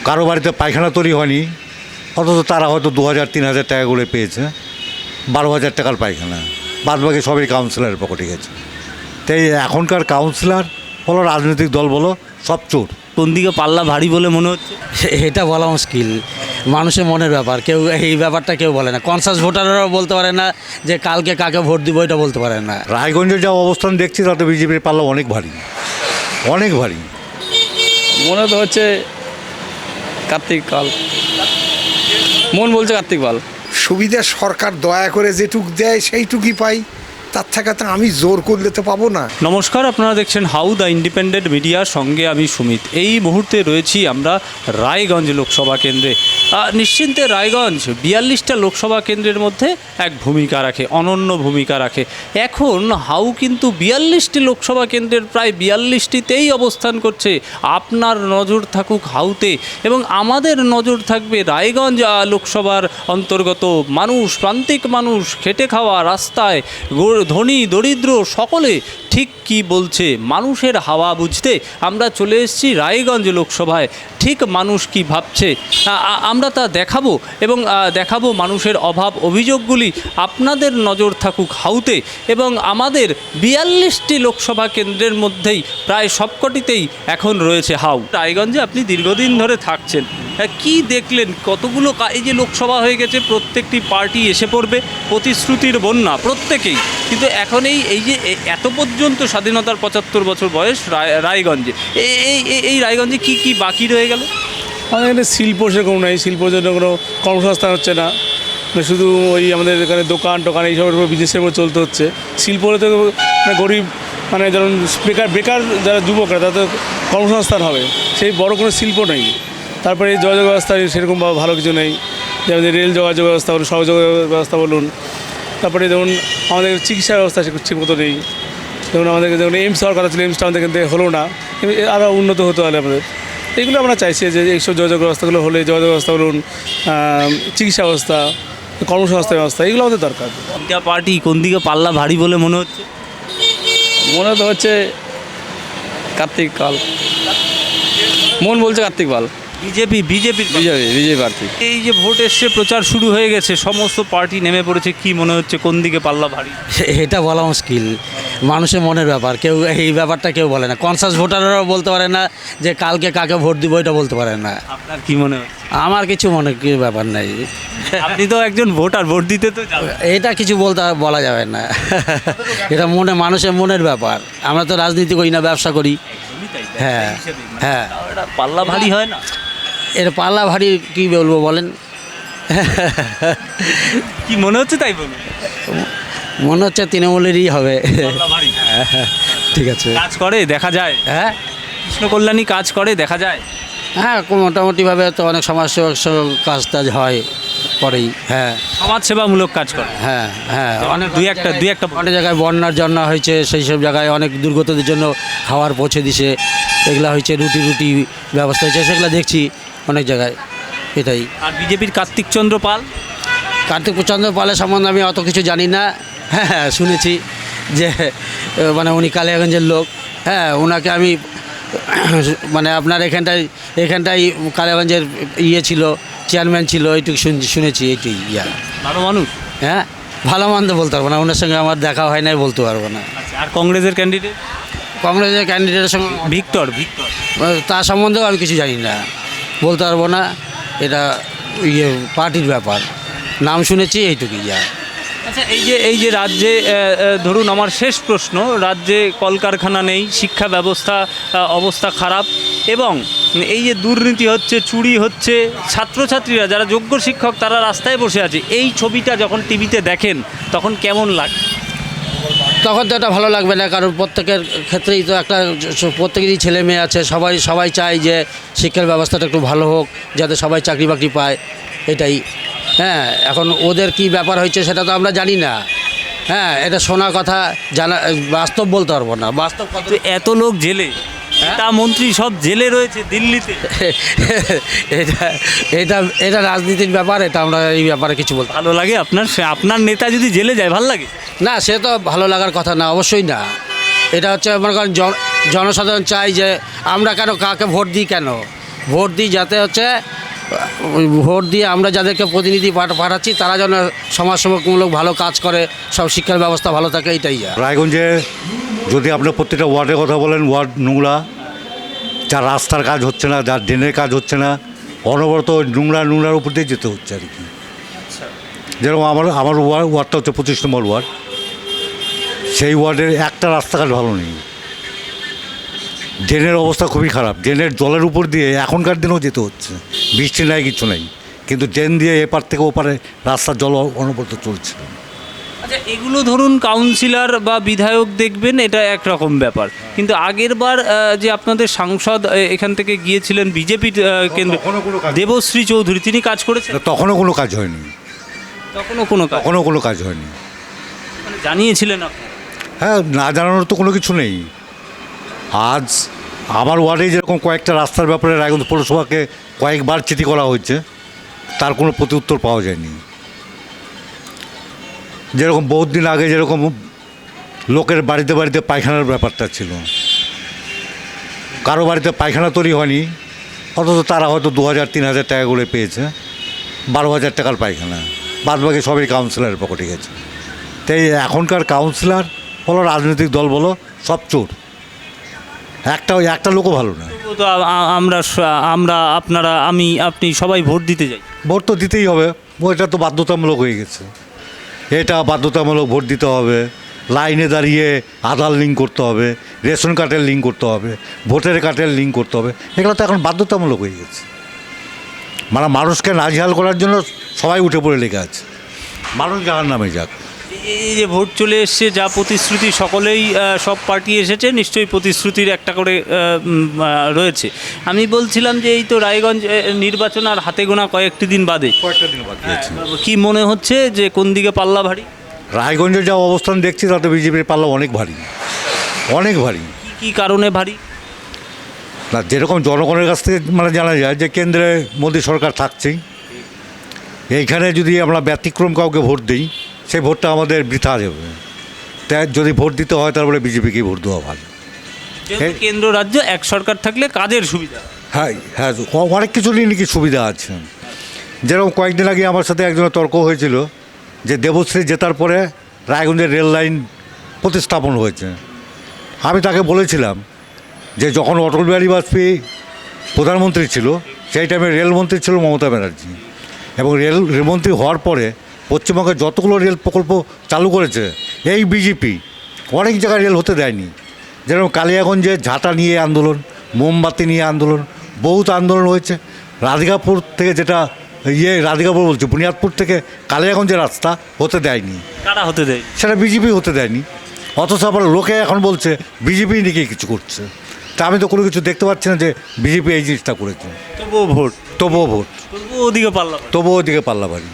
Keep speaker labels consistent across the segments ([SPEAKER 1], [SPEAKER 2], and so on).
[SPEAKER 1] কারো বাড়িতে পায়খানা তৈরি হয়নি, অথচ তারা হয়তো 2000-3000 টাকা করে পেয়েছে, 12,000 টাকার পায়খানা, বাদ বাকি সবই কাউন্সিলরের পকেটে গেছে। তাই এখনকার কাউন্সিলর বলো, রাজনৈতিক দল বলো, সব চোর।
[SPEAKER 2] কোন দিকে পাল্লা ভারী বলে মনে হচ্ছে?
[SPEAKER 3] এটা বলা মুশকিল, মানুষের মনের ব্যাপার। কেউ এই ব্যাপারটা কেউ বলে না, কনসাস ভোটাররাও বলতে পারে না যে কালকে কাকে ভোট দিব, এটা বলতে পারে না।
[SPEAKER 1] রায়গঞ্জের যা অবস্থান দেখছি তাতে বিজেপির পাল্লা অনেক ভারী, অনেক ভারী।
[SPEAKER 4] মনে তো হচ্ছে কার্তিক পাল, মন বলছে কার্তিক পাল।
[SPEAKER 5] সুবিধা সরকার দয়া করে যেটুক দেয় সেইটুকুই পাই, তার থেকে তো আমি জোর করলে তো পাবো না।
[SPEAKER 2] নমস্কার, আপনারা দেখছেন হাউ দ্য ইন্ডিপেন্ডেন্ট মিডিয়ার সঙ্গে আমি সুমিত। এই মুহূর্তে রয়েছি আমরা রায়গঞ্জ লোকসভা কেন্দ্রে। নিশ্চিন্তে রায়গঞ্জ 42টা লোকসভা কেন্দ্রের মধ্যে এক ভূমিকা রাখে, অনন্য ভূমিকা রাখে। এখন হাউ কিন্তু 42টি লোকসভা কেন্দ্রের প্রায় 42টিতেই অবস্থান করছে। আপনার নজর থাকুক হাউতে, এবং আমাদের নজর থাকবে রায়গঞ্জ লোকসভার অন্তর্গত মানুষ, প্রান্তিক মানুষ, খেটে খাওয়া, রাস্তায় ধনী দরিদ্র সকলে ঠিক কি বলছে। মানুষের হাওয়া বুঝতে আমরা চলে এসেছি রায়গঞ্জ লোকসভায়। ঠিক মানুষ কি ভাবছে আমরা তা দেখাবো, এবং দেখাবো মানুষের অভাব অভিযোগগুলি। আপনাদের নজর থাকুক হাউতে, এবং আমাদের 42টি লোকসভা কেন্দ্রের মধ্যেই প্রায় সবকটিতেই এখন রয়েছে হাউ। রায়গঞ্জে আপনি দীর্ঘদিন ধরে থাকছেন, কি দেখলেন? কতগুলো এই যে লোকসভা হয়ে গেছে, প্রত্যেকটি পার্টি এসে পড়বে, প্রতিশ্রুতির বন্যা প্রত্যেকেই, কিন্তু এখন এই যে এত পর্যন্ত স্বাধীনতার 75 বছর বয়স রায়গঞ্জে, এই রায়গঞ্জে কি কি বাকি রয়ে গেল?
[SPEAKER 4] আমাদের এখানে শিল্প সেরকম নাই, শিল্পের জন্য কোনো কর্মসংস্থান হচ্ছে না, শুধু ওই আমাদের এখানে দোকান টোকান এইসবের উপর বিজনেসের উপর চলতে হচ্ছে। শিল্প হলে তো গরিব, মানে যেমন বেকার যারা যুবকরা, তাদের কর্মসংস্থান হবে, সেই বড় কোনো শিল্প নেই। তারপরে এই যোগাযোগ ব্যবস্থা সেরকম ভালো কিছু নেই, যেমন রেল যোগাযোগ ব্যবস্থা বলুন, সড়ক যোগাযোগ ব্যবস্থা বলুন। তারপরে যেমন আমাদের চিকিৎসা ব্যবস্থা ঠিক মতো নেই। যেমন আমাদের যেমন এইমস হওয়ার কথা ছিল, এইমসটা আমাদের এখান থেকে হলো না, আরও উন্নত হতে হলে আমাদের এইগুলো আমরা চাইছি যে এইসব যোগাযোগ ব্যবস্থাগুলো হলে, যোগাযোগ ব্যবস্থা বলুন, চিকিৎসা ব্যবস্থা, কর্মসংস্থান ব্যবস্থা, এগুলো আমাদের দরকার।
[SPEAKER 2] তিনটা পার্টি কোন দিকে পাল্লা ভারী বলে মনে হচ্ছে?
[SPEAKER 4] মনে তো হচ্ছে কার্তিক পাল, মন বলছে কার্তিক পাল।
[SPEAKER 2] বিজেপি
[SPEAKER 4] প্রার্থী।
[SPEAKER 2] এই যে ভোট এসছে, প্রচার শুরু হয়ে গেছে, সমস্ত পার্টি নেমে পড়েছে, কি মনে হচ্ছে কোন দিকে পাল্লা ভারী?
[SPEAKER 3] এটা বলা মুশকিল, মানুষের মনের ব্যাপার। কেউ এই ব্যাপারটা কেউ বলে না, কনসাস ভোটাররাও বলতে পারে না যে কালকে কাকে ভোট দিব, এটা বলতে পারে না।
[SPEAKER 2] আপনার কি মনে হচ্ছে?
[SPEAKER 3] আমার কিছু মনে ব্যাপার নাই।
[SPEAKER 2] আপনি তো একজন ভোটার, ভোট দিতে তো যাবেন।
[SPEAKER 3] এটা কিছু বলা যাবে না। এটা মানুষের মনের ব্যাপার। আমরা তো রাজনীতি করি না, ব্যবসা করি। হ্যাঁ হ্যাঁ,
[SPEAKER 2] এটা পাল্লা ভারী হয় না?
[SPEAKER 3] এটা পাল্লা ভারী কী বলবো বলেন?
[SPEAKER 2] কি মনে হচ্ছে তাই বলুন।
[SPEAKER 3] মনে হচ্ছে তৃণমূলেরই হবে।
[SPEAKER 2] পাল্লা ভারী।
[SPEAKER 3] ঠিক আছে,
[SPEAKER 2] কাজ করে দেখা যায়,
[SPEAKER 3] হ্যাঁ
[SPEAKER 2] কৃষ্ণ কল্যাণী কাজ করে দেখা যায়।
[SPEAKER 3] হ্যাঁ, মোটামুটিভাবে তো অনেক সমাজসেবক কাজ টাজ হয়, করেই। হ্যাঁ
[SPEAKER 2] সমাজসেবামূলক কাজ করে।
[SPEAKER 3] হ্যাঁ হ্যাঁ, অনেক
[SPEAKER 2] দুই একটা
[SPEAKER 3] অনেক জায়গায় বন্যার জন্য হয়েছে, সেই সব জায়গায় অনেক দুর্গতদের জন্য খাবার পৌঁছে দিছে, এগুলো হয়েছে। রুটি ব্যবস্থা হয়েছে, সেগুলো দেখছি অনেক জায়গায়। এটাই।
[SPEAKER 2] আর বিজেপির কার্তিক চন্দ্র পাল
[SPEAKER 3] পালের সম্বন্ধে আমি অত কিছু জানি না। হ্যাঁ, শুনেছি যে মানে উনি কালিয়াগঞ্জের লোক। হ্যাঁ, ওনাকে আমি মানে আপনার এখানটাই কালিয়াগঞ্জের ছিল, চেয়ারম্যান ছিল, এইটুকু শুনেছি। এইটুই
[SPEAKER 2] ভালো মানুষ।
[SPEAKER 3] হ্যাঁ, ভালো মন্দ বলতে পারবো না, ওনার সঙ্গে আমার দেখা হয় নাই, বলতে পারবো না।
[SPEAKER 2] আর কংগ্রেসের ক্যান্ডিডেটের সঙ্গে ভিক্টর
[SPEAKER 3] তার সম্বন্ধেও আমি কিছু জানি না, বলতে পারবো না। এটা পার্টির ব্যাপার, নাম শুনেছি, এইটুকুই।
[SPEAKER 2] আচ্ছা, এই যে রাজ্যে ধরুন, আমার শেষ প্রশ্ন, রাজ্যে কলকারখানা নেই, শিক্ষা ব্যবস্থা অবস্থা খারাপ, এবং এই যে দুর্নীতি হচ্ছে, চুরি হচ্ছে, ছাত্রছাত্রীরা যারা যোগ্য শিক্ষক তারা রাস্তায় বসে আছে, এই ছবিটা যখন টিভিতে দেখেন তখন কেমন লাগে?
[SPEAKER 3] তখন তো এটা ভালো লাগবে না, কারণ প্রত্যেকের ক্ষেত্রেই তো প্রত্যেকেরই ছেলে মেয়ে আছে, সবাই চায় যে শিক্ষার ব্যবস্থাটা একটু ভালো হোক, যাতে সবাই চাকরি বাকরি পায়, এটাই। হ্যাঁ, এখন ওদের কি ব্যাপার হয়েছে সেটা তো আমরা জানি না। হ্যাঁ, এটা শোনা কথা, জানা, বাস্তব বলতে পারবো না। বাস্তব কথা,
[SPEAKER 2] এত লোক জেলে, তা মন্ত্রী সব জেলে রয়েছে দিল্লিতে।
[SPEAKER 3] এটা রাজনীতির ব্যাপার, এটা আমরা এই ব্যাপারে কিছু বলতে।
[SPEAKER 2] ভালো লাগে আপনার নেতা যদি জেলে যায়, ভালো লাগে
[SPEAKER 3] না? সে তো ভালো লাগার কথা না, অবশ্যই না। এটা হচ্ছে মনে করেন জনসাধারণ চাই যে আমরা কেন কাকে ভোট দিই, কেন ভোট দিই যাতে হচ্ছে ওই ভোট দিয়ে আমরা যাদেরকে প্রতিনিধি পাঠাচ্ছি তারা যেন সমাজসেবামূলক ভালো কাজ করে, সব শিক্ষার ব্যবস্থা ভালো থাকে, এইটাই যা।
[SPEAKER 1] রায়গঞ্জে যদি আপনার প্রত্যেকটা ওয়ার্ডের কথা বলেন, ওয়ার্ড নোংরা, যার রাস্তার কাজ হচ্ছে না, যার ড্রেনের কাজ হচ্ছে না, অনবরত নোংরার উপর দিয়ে যেতে হচ্ছে আর কি। যেরকম আমার ওয়ার্ডটা হচ্ছে 25 নম্বর ওয়ার্ড, সেই ওয়ার্ডের একটা রাস্তাঘাট ভালো নেই, ড্রেনের অবস্থা খুবই খারাপ, ড্রেনের জলের উপর দিয়ে এখনকার দিনেও যেতে হচ্ছে, বৃষ্টি নাই কিছু নেই, কিন্তু ড্রেন দিয়ে এপার থেকে ওপারে রাস্তার জল অনবরত চলছে।
[SPEAKER 2] আচ্ছা, এগুলো ধরুন কাউন্সিলর বা বিধায়ক দেখবেন, এটা একরকম ব্যাপার, কিন্তু আগের বার যে আপনাদের সাংসদ এখান থেকে গিয়েছিলেন বিজেপির কেন্দ্র,
[SPEAKER 1] তখনও কোনো কাজ-
[SPEAKER 2] দেবশ্রী চৌধুরী, তিনি কাজ করেছেন?
[SPEAKER 1] তখনও কোনো কাজ হয়নি,
[SPEAKER 2] তখনও কোনো কাজ
[SPEAKER 1] হয়নি।
[SPEAKER 2] মানে জানিয়েছিলেন আপনি?
[SPEAKER 1] হ্যাঁ, না জানানোর তো কোনো কিছু নেই। আজ আমার ওয়ার্ডে যেরকম কয়েকটা রাস্তার ব্যাপারে রায়গঞ্জ পৌরসভাকে কয়েকবার চিঠি করা হয়েছে, তার কোনো প্রত্যুত্তর পাওয়া যায়নি। যেরকম বহুত দিন আগে যেরকম লোকের বাড়িতে বাড়িতে পায়খানার ব্যাপারটা ছিল, কারো বাড়িতে পায়খানা তৈরি হয়নি, অথচ তারা হয়তো 2000-3000 টাকা করে পেয়েছে, 12,000 টাকার পায়খানা, বাদবাকি সবই কাউন্সিলরের পকেটে গেছে। তাই এখনকার কাউন্সিলর বলো, রাজনৈতিক দল বলো, সব চোর, একটা লোকও ভালো না।
[SPEAKER 2] তো আপনারা আপনি সবাই ভোট দিতে যাই।
[SPEAKER 1] ভোট তো দিতেই হবে, এটা তো বাধ্যতামূলক হয়ে গেছে, এটা বাধ্যতামূলক ভোট দিতে হবে, লাইনে দাঁড়িয়ে আধার লিঙ্ক করতে হবে, রেশন কার্ডের লিঙ্ক করতে হবে, ভোটার কার্ডের লিঙ্ক করতে হবে, এগুলো তো এখন বাধ্যতামূলক হয়ে গেছে। মানে মানুষকে নাজেহাল করার জন্য সবাই উঠে পড়ে লেগে আছে, মানুষ জাহার নামে যাক।
[SPEAKER 2] এই যে ভোট চলে এসছে, যা প্রতিশ্রুতি সকলেই সব পার্টি এসেছে, নিশ্চয়ই প্রতিশ্রুতির একটা করে রয়েছে। আমি বলছিলাম যে এই তো রায়গঞ্জ নির্বাচন আর হাতে গোনা কয়েকটি দিন বাদে,
[SPEAKER 1] কয়েকটা দিন বাকি আছে।
[SPEAKER 2] কি মনে হচ্ছে যে কোন দিকে পাল্লা ভারী?
[SPEAKER 1] রায়গঞ্জের যা অবস্থান দেখছি তাতে বিজেপির পাল্লা অনেক ভারী, অনেক ভারী।
[SPEAKER 2] কি কারণে ভারী?
[SPEAKER 1] না, যেরকম জনগণের কাছ থেকে মানে জানা যায় যে কেন্দ্রে মোদী সরকার থাকছেই, এইখানে যদি আমরা ব্যতিক্রম কাউকে ভোট দিই, সেই ভোটটা আমাদের বৃথা যাবে। তাই যদি ভোট দিতে হয় তারপরে বিজেপিকেই ভোট দেওয়া ভালো।
[SPEAKER 2] যেহেতু কেন্দ্র রাজ্য এক সরকার থাকলে কাজের সুবিধা।
[SPEAKER 1] হ্যাঁ হ্যাঁ, অনেক কিছু নিয়ে নাকি সুবিধা আছে। যেরকম কয়েকদিন আগে আমার সাথে একজনের তর্ক হয়েছিল যে দেবশ্রী জেতার পরে রায়গঞ্জের রেল লাইন প্রতিস্থাপন হয়েছে। আমি তাকে বলেছিলাম যে যখন অটল বিহারী বাজপেয়ী প্রধানমন্ত্রী ছিল, সেই টাইমে রেলমন্ত্রী ছিল মমতা ব্যানার্জি, এবং রেলমন্ত্রী হওয়ার পরে পশ্চিমবঙ্গে যতগুলো রেল প্রকল্প চালু করেছে এই বিজেপি, অনেক জায়গায় রেল হতে দেয়নি। যেরকম কালিয়াগঞ্জে ঝাঁটা নিয়ে আন্দোলন, মোমবাতি নিয়ে আন্দোলন, বহুত আন্দোলন হয়েছে। রাধিকাপুর থেকে রাধিকাপুর বলছে, বুনিয়াদপুর থেকে কালিয়াগঞ্জের রাস্তা হতে দেয়নি।
[SPEAKER 2] কারা হতে দেয়?
[SPEAKER 1] সেটা বিজেপি হতে দেয়নি, অথচ আবার লোকে এখন বলছে বিজেপি নাকি কিছু করছে। তা আমি তো কোনো কিছু দেখতে পাচ্ছি না যে বিজেপি এই জিনিসটা করেছে।
[SPEAKER 2] তবুও ভোট,
[SPEAKER 1] তবুও
[SPEAKER 2] ওদিকে পাল্লা ভারী।
[SPEAKER 1] তবুও ওদিকে পাল্লা ভারী।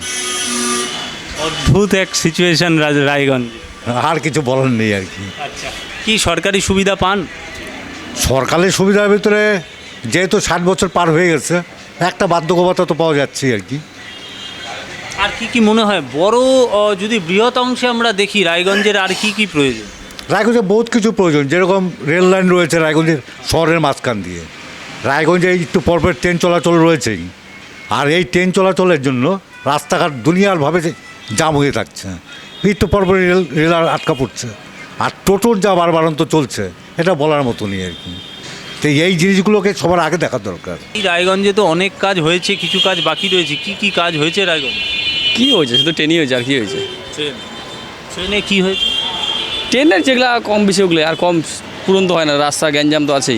[SPEAKER 2] অদ্ভুত এক সিচুয়েশন রায়গঞ্জ।
[SPEAKER 1] আর কিছু বলার নেই আর কি।
[SPEAKER 2] আচ্ছা, কি সরকারি সুবিধা পান?
[SPEAKER 1] সরকারের সুবিধার ভিতরে যেহেতু 60 বছর পার হয়ে গেছে, একটা বার্ধক্য ভাতা তো পাওয়া যাচ্ছেই আর কি।
[SPEAKER 2] আর কি মনে হয় বড় যদি বৃহৎ অংশে আমরা দেখি রায়গঞ্জের আর কি প্রয়োজন?
[SPEAKER 1] রায়গঞ্জে বহুত কিছু প্রয়োজন, যেরকম রেল লাইন রয়েছে রায়গঞ্জের শহরের মাঝখান দিয়ে, রায়গঞ্জে একটু পরপর ট্রেন চলাচল রয়েছেই, আর এই ট্রেন চলাচলের জন্য রাস্তাঘাট দুনিয়ারভাবে জাম হয়ে থাকছে, একটু পরপর রেল আটকা পড়ছে, আর টোটোর যা বারবারন্ত চলছে এটা বলার মতনই আর কি। তো এই জিনিসগুলোকে সবার আগে দেখার দরকার।
[SPEAKER 2] এই রায়গঞ্জে তো অনেক কাজ হয়েছে, কিছু কাজ বাকি রয়েছে। কি কাজ হয়েছে রায়গঞ্জ?
[SPEAKER 6] কী হয়েছে? শুধু ট্রেনই হয়েছে, আর কী হয়েছে?
[SPEAKER 2] ট্রেনে কি হয়েছে?
[SPEAKER 6] ট্রেনের যেগুলো কম বেশি ওগুলো, আর কম পূরণ তো হয় না, রাস্তা গ্যাঞ্জাম তো আছেই।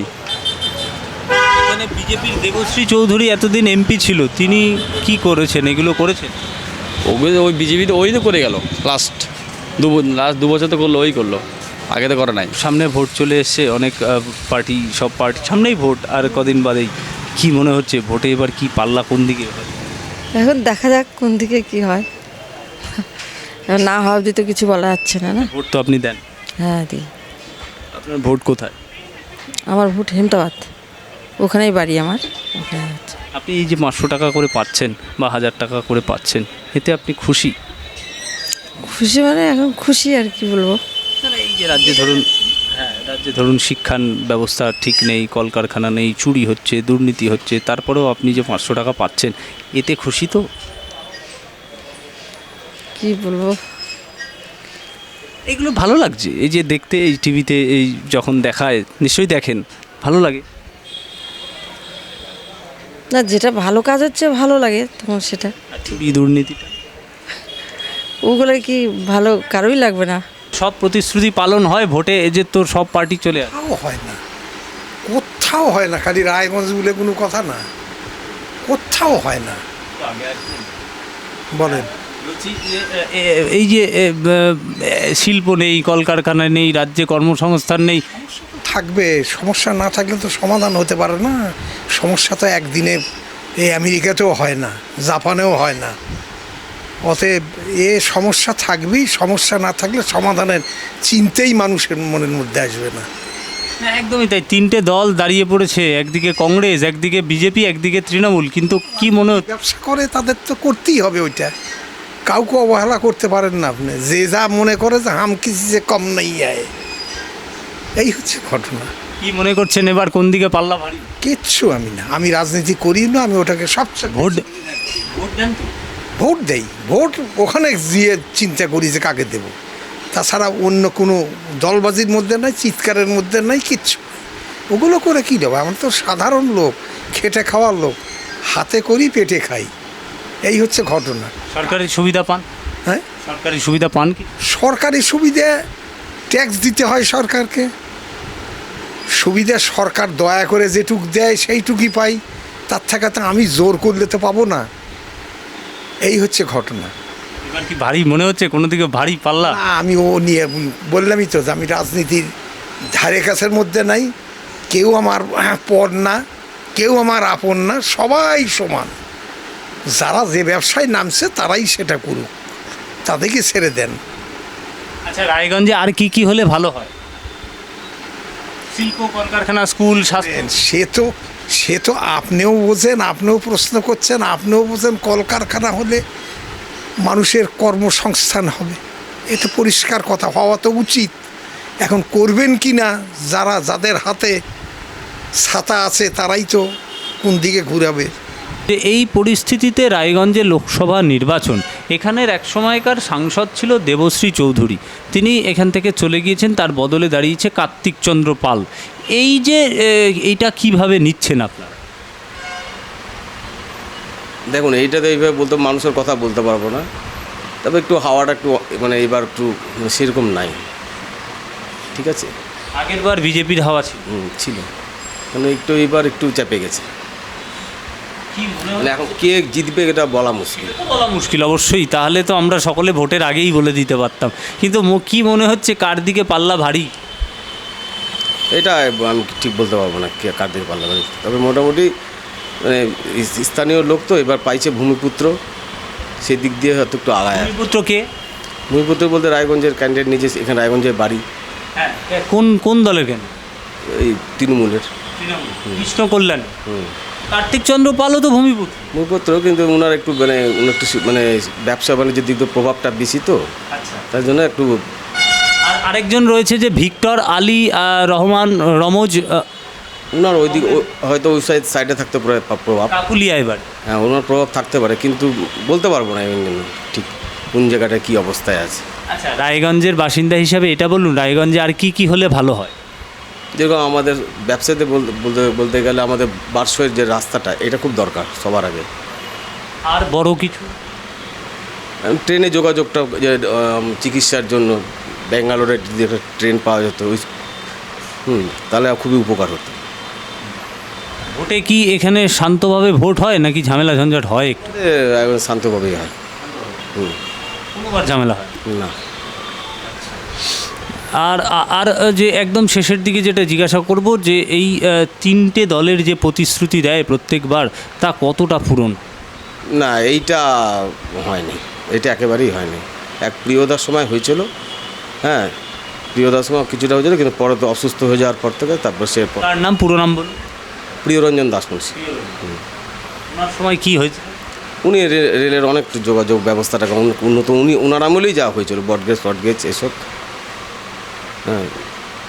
[SPEAKER 2] এখানে বিজেপির দেবশ্রী চৌধুরী এতদিন এমপি ছিল, তিনি কি করেছেন? এগুলো করেছেন?
[SPEAKER 6] ওগুলো ওই বিজেপি তো ওই তো করে গেল লাস্ট 2 বছর তো করলো, ওই করলো, আগে তো করে নাই।
[SPEAKER 2] সামনে ভোট চলে এসছে, অনেক সব পার্টি সামনেই ভোট, আর কদিন বাদেই। কি মনে হচ্ছে ভোটে এবার কি পাল্লা কোন দিকে হবে?
[SPEAKER 7] এখন দেখা যাক কোন দিকে কি হয়, না হওয়া অবধি তো কিছু বলা যাচ্ছে না।
[SPEAKER 2] ভোট তো আপনি দেন?
[SPEAKER 7] হ্যাঁ দিই।
[SPEAKER 2] আপনার ভোট কোথায়?
[SPEAKER 7] আমার ভোট হেমতাবাদ, ওখানেই বাড়ি আমার, ওখানে আছে।
[SPEAKER 2] আপনি এই যে 500 টাকা করে পাচ্ছেন বা 1000 টাকা করে পাচ্ছেন, এতে আপনি খুশি?
[SPEAKER 7] খুশি মানে এখন খুশি আর কি বলবো।
[SPEAKER 2] এই যে রাজ্যে ধরুন, যে ধরুন শিক্ষার ব্যবস্থা ঠিক নেই, কলকারখানা নেই, চুরি হচ্ছে, দুর্নীতি হচ্ছে, তারপরেও আপনি যে 500 টাকা পাচ্ছেন, এতে খুশি তো?
[SPEAKER 7] কি বলবো,
[SPEAKER 2] এগুলো ভালো লাগছে এই যে দেখতে, এই টিভিতে এই যখন দেখায়, নিশ্চয়ই দেখেন, ভালো লাগে?
[SPEAKER 7] না যেটা ভালো কাজ হচ্ছে ভালো লাগে তখন সেটা,
[SPEAKER 2] আর চুরি দুর্নীতিটা?
[SPEAKER 7] ওগুলো কি ভালো কারোই লাগবে না।
[SPEAKER 2] সব প্রতিশ্রুতি পালন হয় ভোটে, এই যে তোর সব পার্টি চলে আসে।
[SPEAKER 5] কোথাও হয় না, কোথাও হয় না, খালি রায়গঞ্জ বলে কোনো কথা না, কোথাও হয় না। বলেন,
[SPEAKER 2] বলছি যে, এই যে শিল্প নেই, কলকারখানা নেই, রাজ্যে কর্মসংস্থান নেই,
[SPEAKER 5] থাকবে, সমস্যা না থাকলে তো সমাধান হতে পারে না। সমস্যা তো একদিনে এই আমেরিকাতেও হয় না, জাপানেও হয় না। অতএব সমস্যা থাকবেই, সমস্যা না থাকলে সমাধানের চিন্তাই মানুষের মনের মধ্যে আসবে না।
[SPEAKER 2] না, একদমই তাই। তিনটে দল দাঁড়িয়ে পড়েছে, একদিকে কংগ্রেস, একদিকে বিজেপি, একদিকে তৃণমূল, কিন্তু কি মনে হচ্ছে?
[SPEAKER 5] ব্যবসা করে তাদের তো করতেই হবে ওইটা, কাউকে অবহেলা করতে পারেন না আপনি। যে যা মনে করে যে হাম কিছু যে কম নেই আয়, এই হচ্ছে ঘটনা।
[SPEAKER 2] কি মনে করছেন এবার কোন দিকে পাল্লা ভারী?
[SPEAKER 5] কিচ্ছু আমি না, আমি রাজনীতি করি না, আমি ওটাকে সবচেয়ে
[SPEAKER 2] ভোট ভোট দেন তো?
[SPEAKER 5] ভোট দেই, ভোট ওখানে গিয়ে চিন্তা করি যে কাকে দেব। তাছাড়া অন্য কোনো দলবাজির মধ্যে নাই, চিৎকারের মধ্যে নাই, কিচ্ছু নাই। ওগুলো করে কী দেবো? আমরা তো সাধারণ লোক, খেটে খাওয়ার লোক, হাতে করি পেটে খাই, এই হচ্ছে ঘটনা।
[SPEAKER 2] সরকারি সুবিধা পান?
[SPEAKER 5] হ্যাঁ,
[SPEAKER 2] সরকারি সুবিধা পান কি?
[SPEAKER 5] সরকারি সুবিধা ট্যাক্স দিতে হয় সরকারকে। সুবিধা সরকার দয়া করে যেটুক দেয় সেইটুকুই পাই, তার থেকে তো আমি জোর করলে তো পাবো না, এই হচ্ছে ঘটনা।
[SPEAKER 2] এবার কি ভারী মনে হচ্ছে, কোনো দিকে ভারী পাল্লা?
[SPEAKER 5] না, আমি ও নিয়ে বললামই তো যে আমি রাজনীতির ধারে কাছের মধ্যে নাই। কেউ আমার পর না, কেউ আমার আপন না, সবাই সমান। যারা যে ব্যবসায় নামছে তারাই সেটা করুক, তাদেরকে ছেড়ে দেন।
[SPEAKER 2] আচ্ছা, রায়গঞ্জে আর কি কি হলে ভালো হয়? শিল্প, কলকারখানা, স্কুল, স্বাস্থ্য?
[SPEAKER 5] সে তো আপনিও বোঝেন, আপনিও প্রশ্ন করছেন, আপনিও বোঝেন। কলকারখানা হলে মানুষের কর্মসংস্থান হবে, এটা পরিষ্কার কথা, হওয়া তো উচিত। এখন করবেন কি না, যাদের হাতে ছাতা আছে তারাই তো কোন দিকে ঘুরাবে।
[SPEAKER 2] যে এই পরিস্থিতিতে রায়গঞ্জে লোকসভা নির্বাচন, এখানের এক সময়কার সাংসদ ছিল দেবশ্রী চৌধুরী, তিনি এখান থেকে চলে গিয়েছেন, তার বদলে দাঁড়িয়েছে কার্তিক চন্দ্র পাল। এই যে এইটা কিভাবে নিচ্ছেন আপনারা?
[SPEAKER 8] দেখুন, এইটাতে এইভাবে বলতে মানুষের কথা বলতে পারবো না, তবে একটু হাওয়াটা একটু মানে এবার একটু সেরকম নাই, ঠিক আছে।
[SPEAKER 2] আগের বার বিজেপির হাওয়া ছিল।
[SPEAKER 8] ছিল, মানে একটু এবার একটু চেপে গেছে।
[SPEAKER 2] কি মনে
[SPEAKER 8] মানে এখন কে জিতবে এটা বলা মুশকিল।
[SPEAKER 2] বলা মুশকিল অবশ্যই, তাহলে তো আমরা সকলে ভোটের আগেই বলে দিতে পারতাম, কিন্তু কি মনে হচ্ছে কার দিকে পাল্লা ভারী?
[SPEAKER 8] এটা আমি ঠিক বলতে পারবো না কে কার দিকে পাল্লা ভারী। তবে মোটামুটি মানে স্থানীয় লোক তো এবার পাইছে ভূমিপুত্র, সেই দিক দিয়ে হয়তো একটু আগায়।
[SPEAKER 2] ভূমিপুত্র কে?
[SPEAKER 8] ভূমিপুত্র বলতে রায়গঞ্জের ক্যান্ডিডেট নিজে, এখানে রায়গঞ্জের বাড়ি।
[SPEAKER 2] হ্যাঁ, কোন দলের? কেন?
[SPEAKER 8] এই তৃণমূলের
[SPEAKER 2] কৃষ্ণ কল্যাণ। কার্তিক চন্দ্র পালও তো
[SPEAKER 8] ভূমিপুত্র, কিন্তু ওনার একটু মানে ব্যবসা বাণিজ্যের দিক দিয়ে প্রভাবটা বেশি তো, তার জন্য একটু।
[SPEAKER 2] আর আরেকজন রয়েছে যে ভিক্টর আলী রহমান রমজ,
[SPEAKER 8] ওনার ওই দিক হয়তো ওই সাইডে থাকতে পারে প্রভাব,
[SPEAKER 2] কাকুলিয়া এবার।
[SPEAKER 8] হ্যাঁ, ওনার প্রভাব থাকতে পারে, কিন্তু বলতে পারবো না ঠিক কোন জায়গাটা কী অবস্থায় আছে।
[SPEAKER 2] আচ্ছা, রায়গঞ্জের বাসিন্দা হিসাবে এটা বলুন, রায়গঞ্জে আর কি কি হলে ভালো হয়?
[SPEAKER 8] যেরকম আমাদের ব্যবসাতে বলতে গেলে আমাদের বারশোয়ের যে রাস্তাটা, এটা খুব দরকার সবার আগে।
[SPEAKER 2] আর বড় কিছু?
[SPEAKER 8] ট্রেনে যোগাযোগটা, যে চিকিৎসার জন্য ব্যাঙ্গালোরে যদি একটা ট্রেন পাওয়া যেত, তাহলে খুবই উপকার হতো।
[SPEAKER 2] ভোটে কি এখানে শান্তভাবে ভোট হয় নাকি ঝামেলা ঝঞ্ঝাট হয়? একটু
[SPEAKER 8] একদম শান্তভাবেই হয়।
[SPEAKER 2] কোনোবার ঝামেলা হয়
[SPEAKER 8] না।
[SPEAKER 2] আর আর যে একদম শেষের দিকে যেটা জিজ্ঞাসা করব, যে এই তিনটে দলের যে প্রতিশ্রুতি দেয় প্রত্যেকবার, তা কতটা পূরণ?
[SPEAKER 8] না, এইটা হয়নি, এটা একেবারেই হয়নি। এক প্রিয়দার সময় হয়েছিল, হ্যাঁ, প্রিয়দার সময় কিছুটা হয়েছিল, কিন্তু পরে তো অসুস্থ হয়ে যাওয়ার পর থেকে তারপর সে।
[SPEAKER 2] তার নাম, পুরো নাম বলুন।
[SPEAKER 8] প্রিয়রঞ্জন দাসমুন্সি।
[SPEAKER 2] ওনার সময় কি হয়েছে?
[SPEAKER 8] উনি রেলের অনেক যোগাযোগ ব্যবস্থাটাকে উন্নত, ওনার আমলেই যাওয়া হয়েছিল, বটগেজ এসব। হ্যাঁ,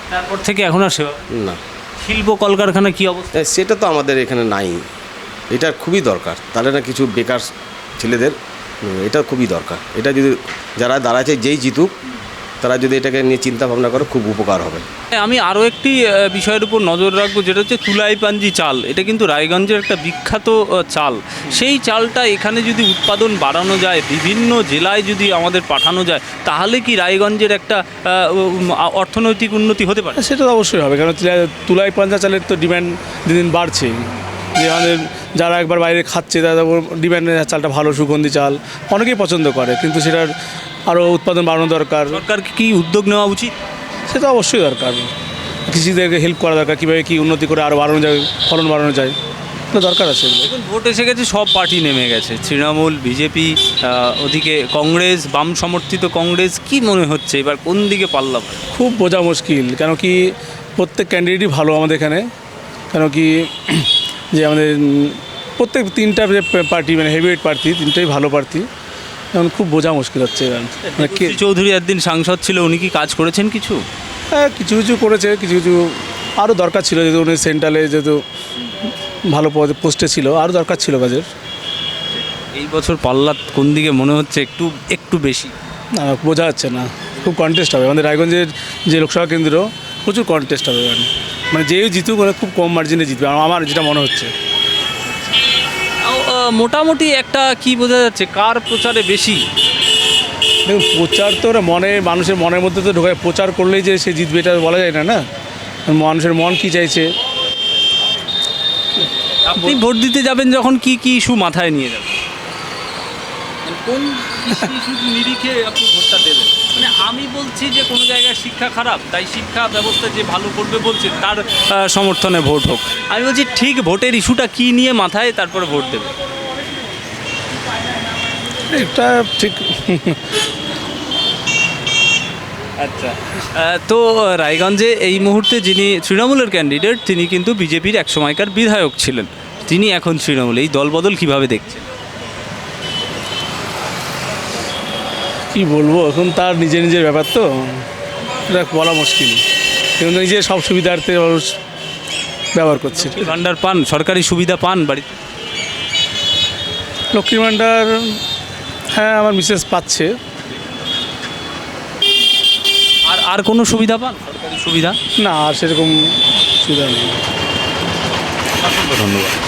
[SPEAKER 2] তারপর থেকে এখন আর সেবা
[SPEAKER 8] না
[SPEAKER 2] শিল্প কলকারখানা কি অবস্থা?
[SPEAKER 8] সেটা তো আমাদের এখানে নাই, এটা খুবই দরকার। তাহলে না কিছু বেকার ছেলেদের এটা খুবই দরকার। এটা যদি যারা দাঁড়াচ্ছে যেই জিতুক তারা যদি এটাকে নিয়ে চিন্তা ভাবনা করে খুব উপকার হবে।
[SPEAKER 2] আমি আরও একটি বিষয়ের উপর নজর রাখবো, যেটা হচ্ছে তুলাইপাঞ্জি চাল। এটা কিন্তু রায়গঞ্জের একটা বিখ্যাত চাল। সেই চালটা এখানে যদি উৎপাদন বাড়ানো যায়, বিভিন্ন জেলায় যদি আমাদের পাঠানো যায়, তাহলে কি রায়গঞ্জের একটা অর্থনৈতিক উন্নতি হতে পারে?
[SPEAKER 4] সেটা তো অবশ্যই হবে, কারণ তুলাই পাঞ্জা চালের তো ডিমান্ড দিন দিন বাড়ছে। যে আমাদের যারা একবার বাইরে খাচ্ছে তারা ডিমান্ডের চালটা ভালো, সুগন্ধি চাল অনেকেই পছন্দ করে, কিন্তু সেটার আরও উৎপাদন বাড়ানো দরকার।
[SPEAKER 2] সরকারকে কি উদ্যোগ নেওয়া উচিত?
[SPEAKER 4] সেটা অবশ্যই দরকার। কৃষিদেরকে হেল্প করা দরকার, কীভাবে কী উন্নতি করে আরও বাড়ানো যায়, ফলন বাড়ানো যায়, তো দরকার আছে এগুলো।
[SPEAKER 2] দেখুন, ভোট এসে গেছে, সব পার্টি নেমে গেছে, তৃণমূল, বিজেপি, ওদিকে কংগ্রেস, বাম সমর্থিত কংগ্রেস। কি মনে হচ্ছে এবার কোন দিকে পাল্লা পড়ে?
[SPEAKER 4] খুব বোঝা মুশকিল, কেন কি প্রত্যেক ক্যান্ডিডেটই ভালো আমাদের এখানে। কেন কি যে আমাদের প্রত্যেক তিনটা যে পার্টি, মানে হেভিওয়েট প্রার্থী, তিনটাই ভালো প্রার্থী। এখন খুব বোঝা মুশকিল হচ্ছে এবার। মানে কে
[SPEAKER 2] চৌধুরী একদিন সাংসদ ছিল, উনি কি কাজ করেছেন কিছু?
[SPEAKER 4] হ্যাঁ, কিছু কিছু করেছে, কিছু কিছু আরও দরকার ছিল। যেহেতু উনি সেন্ট্রালে যেহেতু ভালো পোস্টে ছিল, আরও দরকার ছিল কাজের।
[SPEAKER 2] এই বছর পাল্লা কোন দিকে মনে হচ্ছে একটু বেশি?
[SPEAKER 4] না, বোঝা যাচ্ছে না, খুব কন্টেস্ট হবে। আমাদের রায়গঞ্জের যে লোকসভা কেন্দ্র, প্রচুর কন্টেস্ট হবে। মানে যেই জিতুক মানে খুব কম মার্জিনে জিতবে, আমার যেটা মনে হচ্ছে।
[SPEAKER 2] মোটামুটি একটা কি বোঝা যাচ্ছে, কার প্রচারে বেশি?
[SPEAKER 4] দেখুন, প্রচার তো ওরা মানুষের মনের মধ্যে তো ঢোকায়। প্রচার করলেই যে সে জিতবে এটা বলা যায় না, না মানুষের মন কি চাইছে।
[SPEAKER 2] আপনি ভোট দিতে যাবেন যখন কি কি ইস্যু মাথায় নিয়ে যাবেন? কোন ইস্যু নিরিখে আপনি ভোটটা দেবেন? মানে আমি বলছি যে কোনো জায়গায় শিক্ষা খারাপ, তাই শিক্ষা ব্যবস্থা যে ভালো করবে বলছে তার সমর্থনে ভোট হোক। আমি বলছি ঠিক ভোটের ইস্যুটা কি নিয়ে মাথায় তারপরে ভোট দেবে?
[SPEAKER 4] এটা ঠিক।
[SPEAKER 2] আচ্ছা, তো রায়গঞ্জে এই মুহূর্তে যিনি তৃণমূলের ক্যান্ডিডেট, তিনি কিন্তু বিজেপির এক সময়কার বিধায়ক ছিলেন। তিনি এখন তৃণমূল। এই দলবদল কিভাবে দেখছেন?
[SPEAKER 4] কি বলবো, এখন তার নিজের ব্যাপার, তো এটা বলা মুশকিল। কিন্তু নিজের সব সুবিধার্থে মানুষ ব্যবহার করছে।
[SPEAKER 2] ভান্ডার পান, সরকারি সুবিধা পান বাড়িতে?
[SPEAKER 4] লক্ষ্মীর ভান্ডার, হ্যাঁ, আমার মিসেস পাচ্ছে।
[SPEAKER 2] আর কোনো সুবিধা পান, সরকারি সুবিধা?
[SPEAKER 4] না, আর সেরকম সুবিধা নেই।
[SPEAKER 2] ধন্যবাদ।